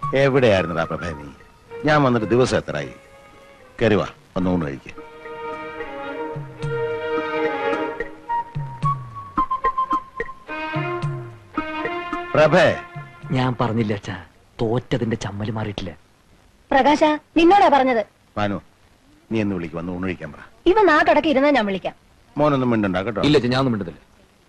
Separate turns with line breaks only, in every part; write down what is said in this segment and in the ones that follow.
എവിടെയായിരുന്നടാ പ്രഭേ നീ? ഞാൻ വന്നിട്ട് ദിവസം എത്രയായി? കരുവാ, ഒന്ന് ഊണ് കഴിക്കുക. പ്രഭേ,
ഞാൻ പറഞ്ഞില്ല അച്ഛാ, തോറ്റതിന്റെ ചമ്മല് മാറിയിട്ടില്ല.
പ്രകാശ, നിന്നോടാ പറഞ്ഞത്.
പാനു, നീ എന്ന് വിളിക്കും, വന്ന് ഊണ് കഴിക്കാൻ പറ.
ഇവ നാട്ടടക്കി ഇരുന്നാ ഞാൻ വിളിക്കാം.
മോനൊന്നും മിണ്ടണ്ട കേട്ടോ.
ഇല്ല, ഞാൻ ഒന്നും മിണ്ടുന്നില്ല.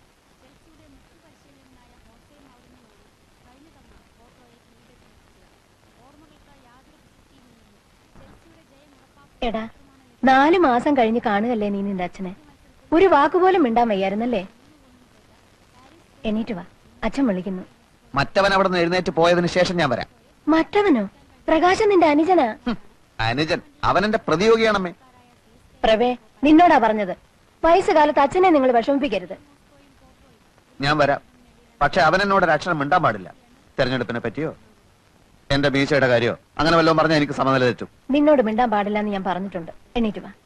എടാ, 4 മാസം കഴിഞ്ഞ് കാണുകല്ലേ നീ നിന്റെ അച്ഛനെ. ഒരു വാക്കുപോലും മിണ്ടാൻ വയ്യായിരുന്നല്ലേ? എണീറ്റ് വാ, അച്ഛൻ വിളിക്കുന്നു.
മറ്റവൻ അവിടെ നിന്ന് എഴുന്നേറ്റ് പോയതിനു ശേഷം ഞാൻ വരാം.
മറ്റവനോ? പ്രകാശൻ നിന്റെ അനുജനാ.
അനുജൻ? അവൻ എന്റെ പ്രതിയോഗിയാണമ്മേ.
പ്രവേ, നിന്നോടാ പറഞ്ഞത്. വയസ്സുകാലത്ത് അച്ഛനെ നിങ്ങൾ വിഷമിപ്പിക്കരുത്.
ഞാൻ വരാം, പക്ഷെ അവൻ എന്നോട് ഒരു അക്ഷരം മിണ്ടാൻ പാടില്ല. തെരഞ്ഞെടുപ്പിനെ പറ്റിയോ എന്റെ മീശയുടെ കാര്യോ അങ്ങനെ വല്ലതും പറഞ്ഞാൽ എനിക്ക് സമനില തെറ്റും.
നിന്നോട് മിണ്ടാൻ പാടില്ല എന്ന് ഞാൻ പറഞ്ഞിട്ടുണ്ട്. എണീറ്റ് വാ.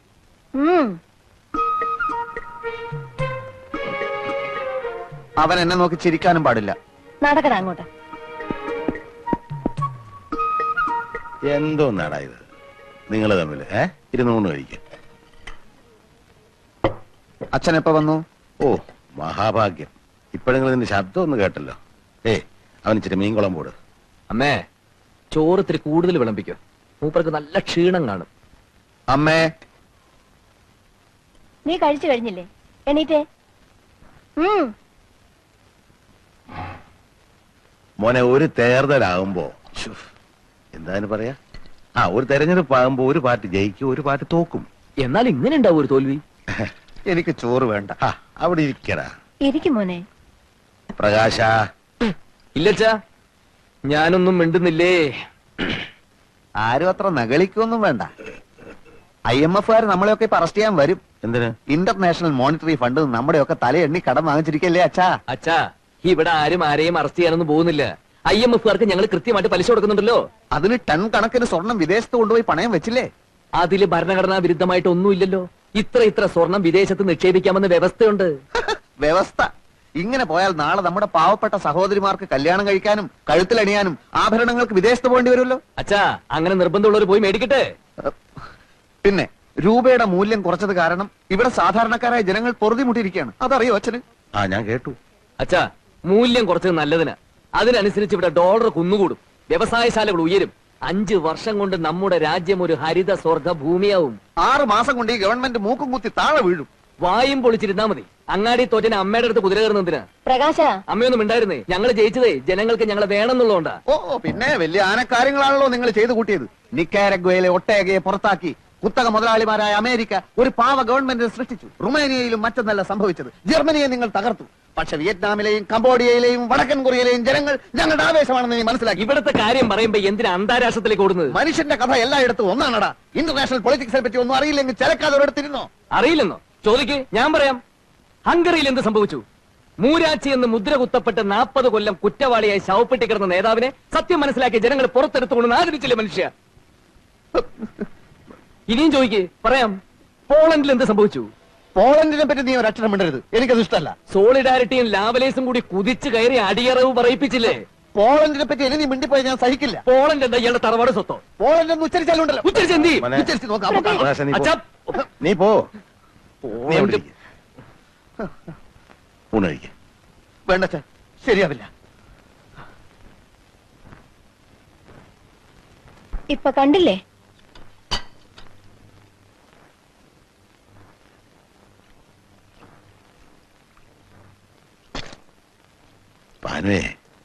അവൻ എന്നെ നോക്കി ചിരിക്കാനും പാടില്ല.
നടക്കടാ അങ്ങോട്ട്.
എന്തോ നാടാ ഇത് നിങ്ങൾ തമ്മില്? ഇരുന്നൂണ് കഴിക്കും.
അച്ഛൻ എപ്പോ വന്നു?
ഓ മഹാഭാഗ്യം, ഇപ്പോഴെങ്കിലും ഇതിന്റെ ശബ്ദം ഒന്ന് കേട്ടല്ലോ. അവൻ ഇച്ചിരി മീൻകുളം പോട്.
അമ്മേ, ചോറത്തിരി കൂടുതൽ വിളമ്പിക്കോ, മൂപ്പർക്ക് നല്ല ക്ഷീണം കാണും.
അമ്മേ,
നീ കഴിച്ചു കഴിഞ്ഞില്ലേ? എണീറ്റേ.
മോനെ, ഒരു തേർതലാകുമ്പോ എന്താന്ന് പറയാ, ഒരു തെരഞ്ഞെടുപ്പ് ആകുമ്പോ ഒരു പാർട്ടി ജയിക്കും, ഒരു പാർട്ടി തോക്കും.
എന്നാൽ ഇങ്ങനെ ഉണ്ടാവും ഒരു തോൽവി.
എനിക്ക് ചോറ് വേണ്ട.
അവിടെ ഇരിക്കടാ.
ഇരിക്കും മോനെ.
പ്രകാശ.
ഇല്ലച്ചാ, ഞാനൊന്നും മിണ്ടുന്നില്ലേ.
ആരും അത്ര നകളിക്കൊന്നും വേണ്ട. IMF-കാർ നമ്മളെയൊക്കെ ഇപ്പൊ അറസ്റ്റ് ചെയ്യാൻ വരും.
എന്തിന്?
ഇന്റർനാഷണൽ മോണിറ്ററി ഫണ്ട് നമ്മുടെയൊക്കെ തലയെണ്ണി കടം വാങ്ങിച്ചിരിക്കല്ലേ അച്ഛാ.
അച്ഛാ, ഇവിടെ ആരെയും അറസ്റ്റ് ചെയ്യാനൊന്നും പോകുന്നില്ല. IMF-കാർക്ക് ഞങ്ങൾ കൃത്യമായിട്ട് പലിശ കൊടുക്കുന്നുണ്ടല്ലോ.
അതിന് ടൺ കണക്കിന് സ്വർണം വിദേശത്ത് കൊണ്ടുപോയി പണയം വെച്ചില്ലേ?
അതില് ഭരണഘടനാ വിരുദ്ധമായിട്ട് ഒന്നുമില്ലല്ലോ. ഇത്ര സ്വർണം വിദേശത്ത് നിക്ഷേപിക്കാമെന്ന് വ്യവസ്ഥയുണ്ട്.
വ്യവസ്ഥ? ഇങ്ങനെ പോയാൽ നാളെ നമ്മുടെ പാവപ്പെട്ട സഹോദരിമാർക്ക് കല്യാണം കഴിക്കാനും കഴുത്തിലണിയാനും ആഭരണങ്ങൾക്ക് വിദേശത്ത് പോകേണ്ടി വരുമല്ലോ.
അച്ഛാ, അങ്ങനെ നിർബന്ധമുള്ളവർ പോയി മേടിക്കട്ടെ.
പിന്നെ രൂപയുടെ മൂല്യം കുറച്ചത് കാരണം ഇവിടെ സാധാരണക്കാരായ ജനങ്ങൾ പൊറുതിമുട്ടിയിരിക്കുകയാണ്. അതറിയോ അച്ഛന്?
ഞാൻ കേട്ടു.
അച്ഛാ, മൂല്യം കുറച്ചത് നല്ലതിന്. അതിനനുസരിച്ച് ഇവിടെ ഡോളർ കുന്നുകൂടും, വ്യവസായശാലകൾ ഉയരും. 5 വർഷം കൊണ്ട് നമ്മുടെ രാജ്യം ഒരു ഹരിത സ്വർഗ ഭൂമിയാവും.
6 മാസം കൊണ്ട് ഈ ഗവൺമെന്റ് മൂക്കും കുത്തി താഴെ വീഴും.
വായും പൊളിച്ചിരുന്നാ മതി. അങ്ങാടി തോറ്റന് അമ്മയുടെ അടുത്ത് കുതിര കയറുന്നതിന്.
പ്രകാശ,
അമ്മയൊന്നും ഉണ്ടായിരുന്നേ. ഞങ്ങൾ ജയിച്ചതേ ജനങ്ങൾക്ക് ഞങ്ങളെ വേണമെന്നുള്ളതുകൊണ്ടാ.
പിന്നെ വലിയ ആനക്കാര്യങ്ങളാണല്ലോ നിങ്ങൾ ചെയ്തു കൂട്ടിയത്. നിക്കാരഗ്വയിലെ ഒട്ടേകയെ പുറത്താക്കി കുത്തക മുതലാളിമാരായ അമേരിക്ക ഒരു പാവ ഗവൺമെന്റിനെ സൃഷ്ടിച്ചു. റുമേനിയയിലും മറ്റൊന്നല്ല സംഭവിച്ചത്. ജർമ്മനിയെ നിങ്ങൾ തകർത്തു. പക്ഷെ വിയറ്റ്നാമിലെയും കംബോഡിയയിലെയും വടക്കൻ കൊറിയയിലെയും ജനങ്ങൾ ഞങ്ങളുടെ ആവേശമാണെന്ന് നീ മനസ്സിലാക്കി.
ഇവിടുത്തെ കാര്യം പറയുമ്പോ എന്തിനാ അന്താരാഷ്ട്രത്തിലേക്ക് ഓടുന്നത്?
മനുഷ്യന്റെ കഥ എല്ലായിടത്തും ഒന്നാണടാ. ഇന്റർനാഷണൽ പൊളിറ്റിക്സിനെ പറ്റി ഒന്നും അറിയില്ലെങ്കിൽ ചിലക്കാതെ ഒരിടത്തിരുന്നോ?
അറിയില്ലെന്നോ? ചോദിക്ക്, ഞാൻ പറയാം. ഹംഗറിയിൽ എന്ത് സംഭവിച്ചു? മൂരാച്ചി എന്ന് മുദ്ര കുത്തപ്പെട്ട് 40 കൊല്ലം കുറ്റവാളിയായി ശവപ്പെട്ടി കിടന്ന നേതാവിനെ സത്യം മനസ്സിലാക്കിയ ജനങ്ങൾ പുറത്തെടുത്തുകൊണ്ട് ആദരിച്ചില്ലേ മനുഷ്യ? ഇനിയും ചോദിക്ക്, പറയാം. പോളണ്ടിൽ എന്ത് സംഭവിച്ചു?
പോളണ്ടിനെ പറ്റി നീ ഒരു അക്ഷരം മിണ്ടരുത്, എനിക്കത് ഇഷ്ടമല്ല.
സോളിഡാരിറ്റിയും ലാവലേസും കൂടി കുതിച്ചു കയറി അടിയറവ് പറയിപ്പിച്ചില്ലേ?
പോളണ്ടിനെ പറ്റി ഇനി നീ മിണ്ടിപ്പോയി ഞാൻ സഹിക്കില്ല.
പോളണ്ട് എന്താ ഇയാളുടെ തറവാട് സ്വത്തോ?
പോളണ്ട് എന്ന് ഉച്ചരിച്ചാലുണ്ടല്ലോ.
ഉച്ചരിച്ച്
നോക്കാം.
നീ പോ.
വേണ്ട, ശരിയാവില്ല.
ഇപ്പൊ കണ്ടില്ലേ?
പാനുവേ,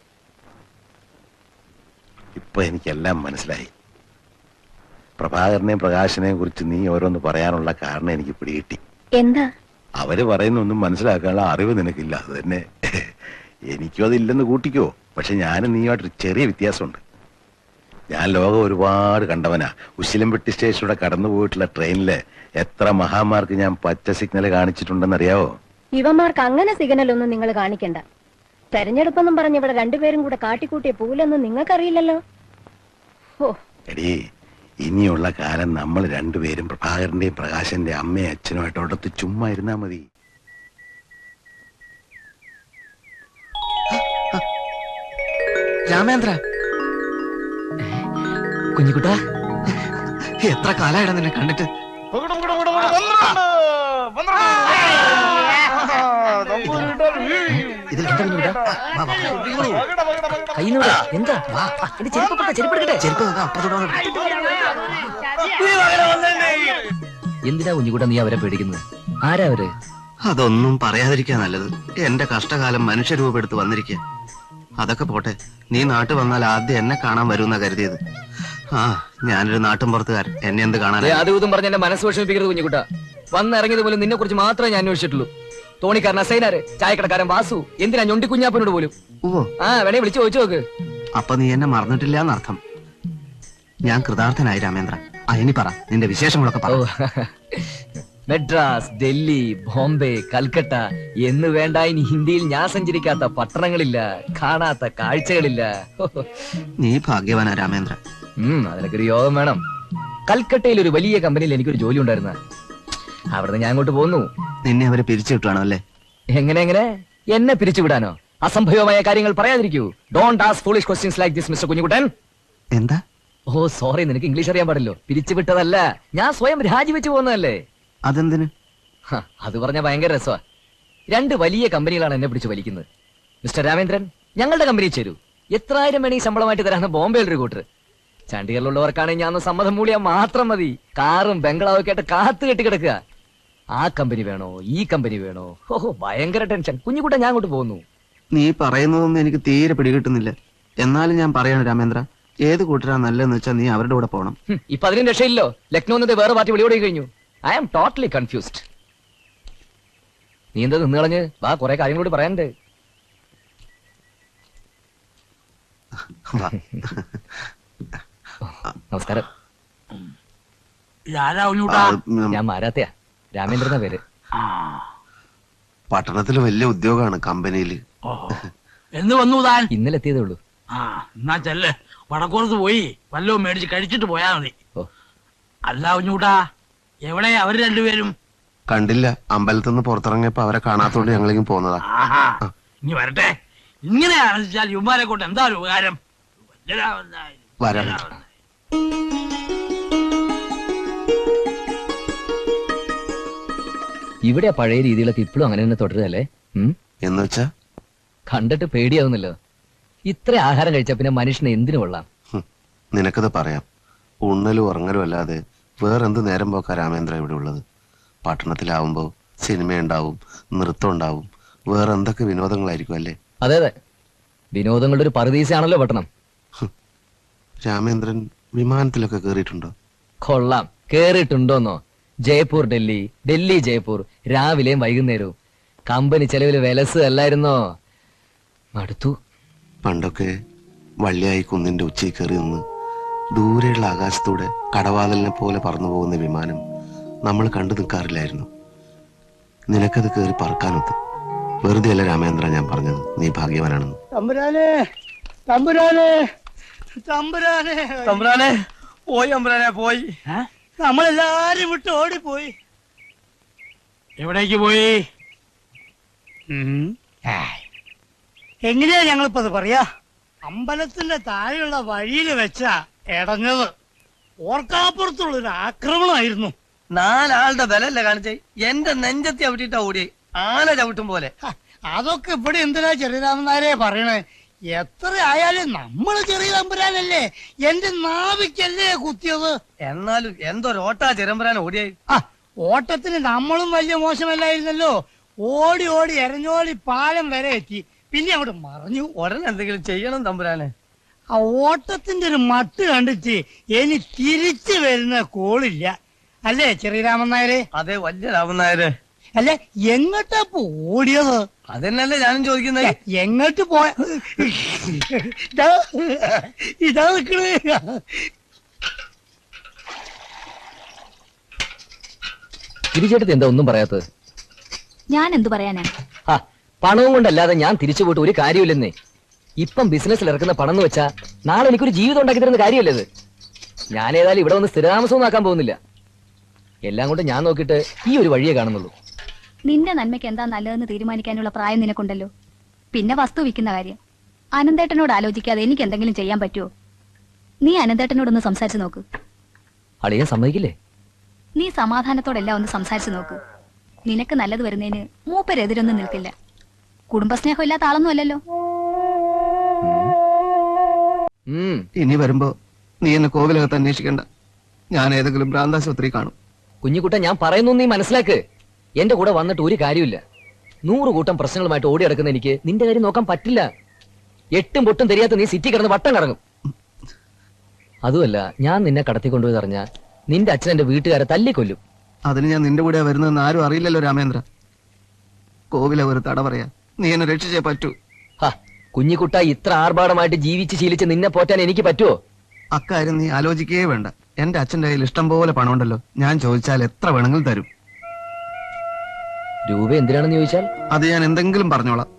ഇപ്പൊ എനിക്കെല്ലാം മനസ്സിലായി. പ്രഭാകരനെയും പ്രകാശനെയും കുറിച്ച് നീ ഓരോന്ന് പറയാനുള്ള കാരണം എനിക്ക് പിടികിട്ടി.
എന്താ?
അവര് പറയുന്നൊന്നും മനസ്സിലാക്കാനുള്ള അറിവ് നിനക്കില്ല. അത് തന്നെ എനിക്കും അതില്ലെന്ന് കൂട്ടിക്കോ. പക്ഷെ ഞാനും നീയുമായിട്ടൊരു ചെറിയ വ്യത്യാസമുണ്ട്. ഞാൻ ലോകം ഒരുപാട് കണ്ടവനാ. ഉശിലംപെട്ടി സ്റ്റേഷനിലൂടെ കടന്നു പോയിട്ടുള്ള ട്രെയിനില് എത്ര മഹാന്മാർക്ക് ഞാൻ പച്ച സിഗ്നൽ കാണിച്ചിട്ടുണ്ടെന്നറിയാവോ?
ഇവന്മാർക്ക് അങ്ങനെ സിഗ്നലൊന്നും നിങ്ങൾ കാണിക്കണ്ട. തെരഞ്ഞെടുപ്പെന്നും പറഞ്ഞ് ഇവിടെ രണ്ടുപേരും കൂടെ കാട്ടിക്കൂട്ടിയ പൂലൊന്നും നിങ്ങൾക്കറിയില്ലല്ലോ.
എടീ, ഇനിയുള്ള കാലം നമ്മൾ രണ്ടുപേരും പ്രഭാകരന്റെയും പ്രകാശന്റെ അമ്മയും അച്ഛനുമായിട്ട് അടുത്ത് ചുമ്മാ ഇരുന്നാ മതി.
രാമേന്ദ്ര,
കുഞ്ഞിക്കുട്ടാ,
എത്ര കാലമായിടാ നിന്നെ കണ്ടിട്ട്.
ഇതിൽ എന്താ കുഞ്ഞിക്കുട്ടാ? കയ്യിലൂടെ എന്താ? എന്റെ ചെരുപ്പെടുക്കട്ടെ. എന്തിനാ കുഞ്ഞിക്കുട്ടാ നീ അവരെ പേടിക്കുന്നത്? ആരാ അവര്?
അതൊന്നും പറയാതിരിക്കാ നല്ലത്. എന്റെ കഷ്ടകാലം മനുഷ്യരൂപെടുത്ത് വന്നിരിക്കുക. അതൊക്കെ പോട്ടെ, നീ നാട്ടിൽ വന്നാൽ ആദ്യം എന്നെ കാണാൻ വരുമെന്നാ കരുതിയത്. ആ, ഞാനൊരു നാട്ടും പുറത്തുകാരൻ, എന്നെ എന്ത് കാണാൻ?
അതും ഇതും പറഞ്ഞ എന്റെ മനസ്സ് വിഷമിപ്പിക്കരുത് കുഞ്ഞിക്കുട്ടാ. വന്നിറങ്ങിയത് പോലും നിന്നെ കുറിച്ച് മാത്രമേ ഞാൻ അന്വേഷിച്ചിട്ടുള്ളൂ. തോണിക്കാരൻ അസൈനാര്, ചായക്കടക്കാരൻ വാസു, എന്തിനാ ഞൊണ്ടി കുഞ്ഞാപ്പനോട് പോലും.
ഓ,
വേണേ വിളിച്ചു ചോദിച്ചു നോക്ക്.
അപ്പൊ നീ എന്നെ മറന്നിട്ടില്ല എന്നർത്ഥം. ഞാൻ കൃതാർത്ഥനായി രാമേന്ദ്ര. ഇനി പറ, നിന്റെ വിശേഷങ്ങളൊക്കെ പറ.
മെഡ്രാസ്, ഡൽഹി, ബോംബെ, കൽക്കട്ട എന്ന് വേണ്ട ഇനി ഹിന്ദിയിൽ ഞാൻ സഞ്ചരിക്കാത്ത പട്ടണങ്ങളില്ല, കാണാത്ത കാഴ്ചകളില്ല.
നീ ഭാഗ്യവാനാ രാമേന്ദ്ര.
അതിനൊക്കെ ഒരു യോഗം വേണം. കൽക്കട്ടയിൽ ഒരു വലിയ കമ്പനിയിൽ എനിക്കൊരു ജോലി ഉണ്ടായിരുന്ന, അവിടുന്ന് ഞാൻ അങ്ങോട്ട് പോന്നു.
നിന്നെ അവരെ പിരിച്ചുവിട്ടാണോ അല്ലേ?
എങ്ങനെ എന്നെ പിരിച്ചുവിടാനോ? അസംഭവമായ കാര്യങ്ങൾ പറയാതിരിക്കൂ. Don't ask foolish questions like this mister Kunjikuttan.
എന്താ?
ഓ സോറി, നിനക്ക് ഇംഗ്ലീഷ് അറിയാൻ പാടില്ലോ. പിരിച്ചുവിട്ടതല്ല, ഞാൻ സ്വയം രാജിവെച്ചു പോകുന്നതല്ലേ.
അതെന്തിന്?
അത് പറഞ്ഞ ഭയങ്കര രസമാ. 2 വലിയ കമ്പനികളാണ് എന്നെ പിടിച്ച് വലിക്കുന്നത്. മിസ്റ്റർ രാമേന്ദ്രൻ, ഞങ്ങളുടെ കമ്പനിയിൽ ചേരൂ. എത്രായിരം വേണേ ശമ്പളമായിട്ട് തരാന്ന് ബോംബെയിൽ ഒരു കൂട്ടർ. ചണ്ഡീഗറിലുള്ളവർക്കാണെങ്കിൽ ഞാൻ സമ്മതം മൂളിയാൽ മാത്രം മതി. കാറും ബംഗ്ലാവൊക്കെ ആയിട്ട് കാത്തു കെട്ടി കിടക്കുക. ആ കമ്പനി വേണോ, ഈ കമ്പനി വേണോ? ഓഹോ, ഭയങ്കര ടെൻഷൻ. കുഞ്ഞുകുട്ട, ഞാൻ അങ്ങോട്ട് പോകുന്നു.
നീ പറയുന്നതൊന്നും എനിക്ക് തീരെ പിടികിട്ടുന്നില്ല. എന്നാലും ഞാൻ പറയാണ് രാമേന്ദ്ര, ഏത് കൂട്ടരാ നല്ലതെന്ന് വെച്ചാൽ നീ അവരുടെ കൂടെ പോകണം.
ഇപ്പൊ അതിനും രക്ഷയില്ലോ. ലക്നോ എന്നത് വേറെ പാർട്ടി വിളിയോടെ കഴിഞ്ഞു. I am totally confused. നീ എന്താ നിന്ന് കളഞ്ഞ്? വാ, കുറെ കാര്യങ്ങളോട് പറയാനുണ്ട്. നമസ്കാരം. ഞാൻ മാരാത്തയാ, രാമേന്ദ്രന പേര്.
പട്ടണത്തിൽ വലിയ ഉദ്യോഗമാണ് കമ്പനിയിൽ.
എന്ന് വന്നു താൻ?
ഇന്നലെ എത്തിയതേ ഉള്ളൂ.
എന്നാ ചെല്ല്, വടക്കോർത്ത് പോയി വല്ലതും മേടിച്ച് കഴിച്ചിട്ട് പോയാ മതി. അല്ല കുഞ്ഞൂട്ടാ, എവിടെ അവര് രണ്ടുപേരും?
കണ്ടില്ല, അമ്പലത്തിൽ നിന്ന് പുറത്തിറങ്ങിയപ്പോ അവരെ കാണാത്തോണ്ട് ഞങ്ങളെങ്കിലും പോന്നതാ.
ഇനി വരട്ടെ. ഇങ്ങനെ ആലോചിച്ചാൽ യുവമാരെ കൊണ്ട് എന്താ ഒരു ഉപകാരം?
വരാം.
ഇവിടെ പഴയ രീതികളൊക്കെ ഇപ്പോഴും അങ്ങനെ തന്നെ തുടരുകയല്ലേ?
എന്ന് വെച്ചാ
കണ്ടിട്ട് പേടിയാവുന്നല്ലോ. ഇത്ര ആഹാരം കഴിച്ചാ പിന്നെ മനുഷ്യന് എന്തിനു കൊള്ളാം?
നിനക്കത് പറയാം. ഉണ്ണലും ഉറങ്ങലും അല്ലാതെ വേറെന്ത് നേരം പോക്കാ രാമേന്ദ്ര ഇവിടെ ഉള്ളത്? പട്ടണത്തിലാവുമ്പോ സിനിമ ഉണ്ടാവും, നൃത്തം ഉണ്ടാവും, വേറെ എന്തൊക്കെ വിനോദങ്ങളായിരിക്കും അല്ലേ?
അതെ അതെ, വിനോദങ്ങളുടെ ഒരു പറുദീസയാണല്ലോ പട്ടണം.
രാമേന്ദ്രൻ വിമാനത്തിലൊക്കെ കേറിയിട്ടുണ്ടോ?
കൊള്ളാം. കേറിയിട്ടുണ്ടോന്നോ? ജയ്പൂർ ഡൽഹി, ഡൽഹി ജയ്പൂർ, രാവിലെയും വൈകുന്നേരവും. കമ്പനി ചെലവില് വിലസ് അല്ലായിരുന്നോ? മടുത്തു.
പണ്ടൊക്കെ വള്ളിയായി കുന്നിന്റെ ഉച്ചയിൽ കയറി നിന്ന് ദൂരെയുള്ള ആകാശത്തൂടെ കടവാതിലിനെ പോലെ പറന്നു പോകുന്ന വിമാനം നമ്മൾ കണ്ടു നിൽക്കാറില്ലായിരുന്നു. നിനക്കത് കയറി പറക്കാനൊത്ത്. വെറുതെ അല്ല രാമേന്ദ്ര ഞാൻ പറഞ്ഞത്, നീ ഭാഗ്യവാനാണെന്ന്.
തമ്പുരാനെ, തമ്പുരാനെ, തമ്പുരാനെ, തമ്പുരാനെ പോയി, തമ്പുരാനെ പോയി. നമ്മളെല്ലാരും വിട്ട് ഓടിപ്പോയി. എവിടേക്ക് പോയി? എങ്ങനെയാ ഞങ്ങളിപ്പോ അത് പറയാ? അമ്പലത്തിന്റെ താഴെയുള്ള വഴിയിൽ വെച്ചാ ഇടഞ്ഞത്. ഓർക്കാപ്പുറത്തുള്ളൊരു ആക്രമണമായിരുന്നു.
4 ആളുടെ ബലല്ലേ കാണിച്ചേ? എന്റെ നെഞ്ചത്തി ചവിട്ടിട്ടാ ഓടി, ആന ചവിട്ടും പോലെ.
അതൊക്കെ ഇവിടെ എന്തിനാ ചെറിയരാമനാരെ പറയണേ? എത്ര ആയാലും നമ്മള് ചെറിയ തമ്പുരാനല്ലേ, എന്റെ നാവിക്കല്ലേ കുത്തിയത്.
എന്നാലും എന്തൊരോട്ടാ ചെറുമ്പരാൻ ഓടിയായി.
ഓട്ടത്തിന് നമ്മളും വലിയ മോശമല്ലായിരുന്നല്ലോ. ഓടി ഓടി എരഞ്ഞോളി പാലം വരെ എത്തി, പിന്നെ അവിടെ മറിഞ്ഞു.
ഉടനെ എന്തെങ്കിലും ചെയ്യണം തമ്പുരാനെ.
ആ ഓട്ടത്തിന്റെ ഒരു മട്ട് കണ്ടിട്ട് ഇനി തിരിച്ചു വരുന്ന കോളില്ല, അല്ലേ ചെറിയരാമൻ നായരെ?
അതെ, വലിയ രാമൻ നായര്.
അല്ലെ, എങ്ങോട്ടാ ഓടിയത്?
അതെന്നല്ലേ ഞാനും ചോദിക്കുന്നത്.
എങ്ങോട്ട് പോയ? ഇതാ നിക്കണേ.
തിരിച്ചെടുത്ത് എന്താ ഒന്നും പറയാത്തത്?
ഞാൻ എന്തു പറയാനാ?
പണവും കൊണ്ടല്ലാതെ ഞാൻ തിരിച്ചു പോയിട്ട് ഒരു കാര്യമില്ലെന്നേ. ഇപ്പം ബിസിനസ്സിൽ ഇറക്കുന്ന പണം എന്ന് വെച്ചാ നാളെ എനിക്കൊരു ജീവിതം ഉണ്ടാക്കി തരുന്ന കാര്യമല്ലത്. ഞാൻ ഏതായാലും ഇവിടെ വന്ന് സ്ഥിരതാമസവും ആക്കാൻ പോകുന്നില്ല. എല്ലാം കൊണ്ട് ഞാൻ നോക്കിയിട്ട് ഈ ഒരു വഴിയേ കാണുന്നുള്ളൂ.
നിന്റെ നന്മയ്ക്ക് എന്താ നല്ലതെന്ന് തീരുമാനിക്കാനുള്ള പ്രായം നിനക്കുണ്ടല്ലോ. പിന്നെ വസ്തു വിൽക്കുന്ന കാര്യം അനന്തേട്ടനോട് ആലോചിക്കാതെ എനിക്ക് എന്തെങ്കിലും ചെയ്യാൻ പറ്റുമോ?
നീ അനന്തേട്ടനോടൊന്ന് സംസാരിച്ചു നോക്ക്.
അളിയൻ സമ്മതിക്കില്ലേ?
നീ സമാധാനത്തോടെല്ലാം ഒന്ന് സംസാരിച്ചു നോക്ക്. നിനക്ക് നല്ലത് വരുന്നതിന് മൂപ്പരെതിരൊന്നും നിൽക്കില്ല. കുടുംബസ്നേഹം ഇല്ലാത്ത ആളൊന്നും അല്ലല്ലോ.
ഇനി വരുമ്പോ നീ എന്നെ കോവിലകത്ത് അന്വേഷിക്കണ്ട. ഞാൻ ഏതെങ്കിലും ഭ്രാന്താശുപത്രി കാണും.
കുഞ്ഞിക്കുട്ട, ഞാൻ പറയുന്നു നീ മനസ്സിലാക്ക്. എന്റെ കൂടെ വന്നിട്ട് ഒരു കാര്യമില്ല. 100 കൂട്ടം പ്രശ്നങ്ങളുമായിട്ട് ഓടി നടക്കുന്ന എനിക്ക് നിന്റെ കാര്യം നോക്കാൻ പറ്റില്ല. 8 പൊട്ടും தெரிയാത്ത നീ സിറ്റി കിടന്ന് വട്ടം കറങ്ങും. അതുമല്ല, ഞാൻ നിന്നെ കടത്തിക്കൊണ്ടുപോയി അറിഞ്ഞാ നിന്റെ അച്ഛൻ എന്റെ വീട്ടുകാരെ തല്ലിക്കൊല്ലും.
അതിന് ഞാൻ നിന്റെ കൂടെ വരുന്നതെന്ന് ആരും അറിയില്ലല്ലോ രാമേന്ദ്ര. കോവില ഒരു തട പറയാ. നീ എന്നെ രക്ഷിച്ചേ പറ്റൂ.
കുഞ്ഞിക്കുട്ട, ഇത്ര ആർഭാടമായിട്ട് ജീവിച്ച് ശീലിച്ച് നിന്നെ പോറ്റാൻ എനിക്ക് പറ്റുമോ?
അക്കാര്യം നീ ആലോചിക്കേ വേണ്ട. എന്റെ അച്ഛന്റെ കയ്യിൽ ഇഷ്ടം പോലെ പണമുണ്ടല്ലോ. ഞാൻ ചോദിച്ചാൽ എത്ര വേണമെങ്കിലും തരും.
രൂപ എന്തിനാണെന്ന് ചോദിച്ചാൽ
അത് ഞാൻ എന്തെങ്കിലും പറഞ്ഞോളാം.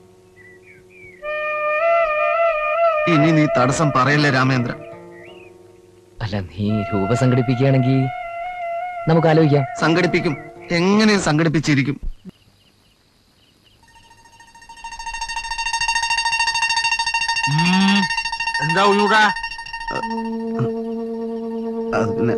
ഇനി നീ തടസ്സം പറയല്ലേ രാമേന്ദ്ര.
അല്ല, നീ രൂപ സംഘടിപ്പിക്കുകയാണെങ്കിൽ നമുക്ക് ആലോചിക്കാം.
സംഘടിപ്പിക്കും. എങ്ങനെ സംഘടിപ്പിച്ചിരിക്കും.
എന്താ ഉള്ളൂടാ?
പിന്നെ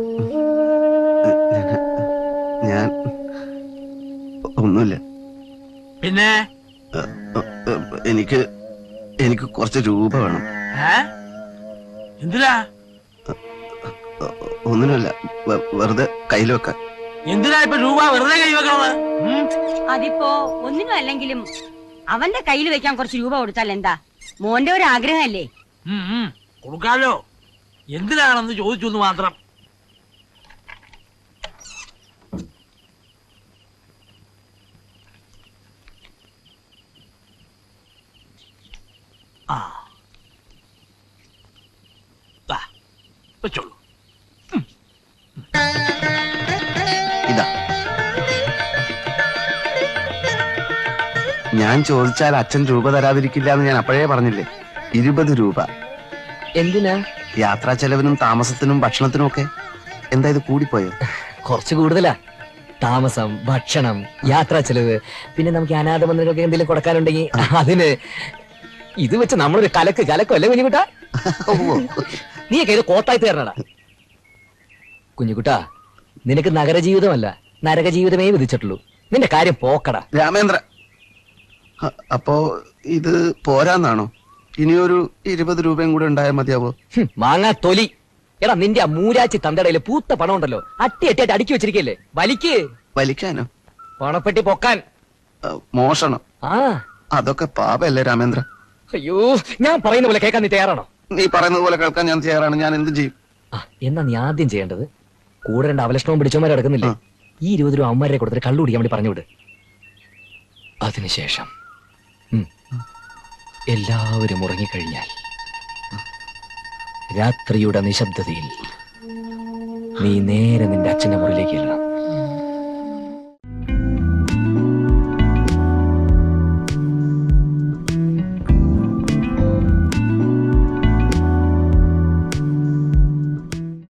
ഞാൻ ഒന്നുമില്ല.
പിന്നെ
എനിക്ക് കുറച്ച് രൂപ വേണം.
എന്തിനാ?
ഒന്നിനുമില്ല, വെറുതെ കയ്യിൽ വെക്കാൻ.
എന്തിനാ ഇപ്പൊ രൂപ വെറുതെ കൈ വെക്കണത്?
അതിപ്പോ ഒന്നിനും അല്ലെങ്കിലും അവന്റെ കയ്യിൽ വെക്കാൻ കുറച്ച് രൂപ കൊടുത്താൽ എന്താ? മോന്റെ ഒരു ആഗ്രഹമല്ലേ?
കൊടുക്കാലോ. എന്തിനാണെന്ന് ചോദിച്ചു മാത്രം. ആ, വെച്ചോളൂ.
ഇതാ, ഞാൻ ചോദിച്ചാൽ അച്ഛൻ രൂപ തരാതിരിക്കില്ല എന്ന് ഞാൻ അപ്പോഴേ പറഞ്ഞില്ലേ. 20 രൂപ.
എന്തിനാ?
യാത്രാ ചെലവിനും താമസത്തിനും ഭക്ഷണത്തിനും ഒക്കെ. എന്താ ഇത് കൂടിപ്പോയോ?
കുറച്ച് കൂടുതലാ. താമസം, ഭക്ഷണം, യാത്രാ ചെലവ്, പിന്നെ നമുക്ക് അനാഥ മന്ദിരങ്ങൾക്ക് എന്തെങ്കിലും കൊടുക്കാനുണ്ടെങ്കിൽ അതിന്. ഇത് വെച്ച് നമ്മളൊരു കലക്കും അല്ലേ കുഞ്ഞുകുട്ട? നീയൊക്കെ ഇത് കോത്തായി തീർന്നടാ. കുഞ്ഞുകുട്ടാ, നിനക്ക് നഗരജീവിതമല്ല നരകജീവിതമേ വിധിച്ചിട്ടുള്ളൂ. നിന്റെ കാര്യം പോക്കടാ.
രാമേന്ദ്ര, അപ്പോ ഇത് പോരാന്നാണോ? ഇനിയൊരു 20 രൂപയും കൂടെ ഉണ്ടായാൽ മതിയാവോ?
മാങ്ങാ തൊലി. എടാ, നിന്റെ ആ മൂരാച്ചി തന്തടയില് പൂത്ത പണം ഉണ്ടല്ലോ, അട്ടിയായിട്ട് അടുക്കി വെച്ചിരിക്കല്ലേ.
വലിക്കാനോ?
പണപ്പെട്ടി പൊക്കാൻ.
മോഷണം? അതൊക്കെ പാപല്ലേ രാമേന്ദ്ര?
അയ്യോ, ഞാൻ പറയുന്ന പോലെ കേൾക്കാൻ നീ തയ്യാറാണോ?
നീ പറയുന്നത് പോലെ കേൾക്കാൻ ഞാൻ തയ്യാറാണ്. ഞാൻ എന്ത് ചെയ്യും?
എന്നാ നീ ആദ്യം ചെയ്യേണ്ടത്, കൂടെ 2 അവലക്ഷണവും പിടിച്ചവന്മാരെ കിടക്കുന്നില്ലേ, ഈ 20 രൂപ അമ്മമാരെ കൊടുത്തിട്ട് കള്ളു കുടിക്കാൻ വേണ്ടി പറഞ്ഞുവിട്. അതിനുശേഷം എല്ലാവരും ഉറങ്ങിക്കഴിഞ്ഞാൽ രാത്രിയുടെ നിശബ്ദതയിൽ നീ നേരെ നിന്റെ അച്ഛന്റെ മുറിയിലേക്ക് ചെല്ലണം.